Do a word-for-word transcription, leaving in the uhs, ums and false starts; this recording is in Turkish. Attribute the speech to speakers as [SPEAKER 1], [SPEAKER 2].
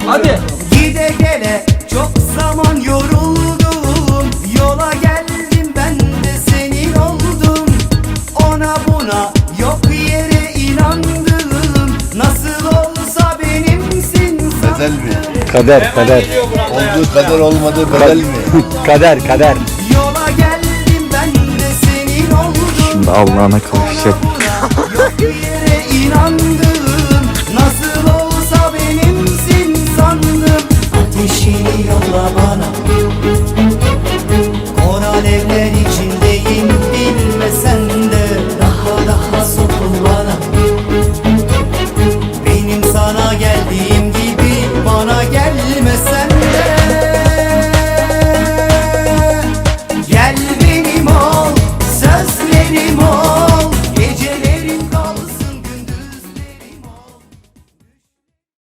[SPEAKER 1] Hadi.
[SPEAKER 2] Gide gele çok zaman yoruldum. Yola geldim ben de senin oldum. Ona buna yok yere inandım. Nasıl olsa benimsin sandım.
[SPEAKER 3] Bedel mi?
[SPEAKER 4] Kader, kader.
[SPEAKER 3] Olduğu kadar olmadığı bedel mi?
[SPEAKER 4] Kader, kader.
[SPEAKER 2] Yola geldim ben de senin oldum.
[SPEAKER 4] Şimdi Allah'ına kavuştum.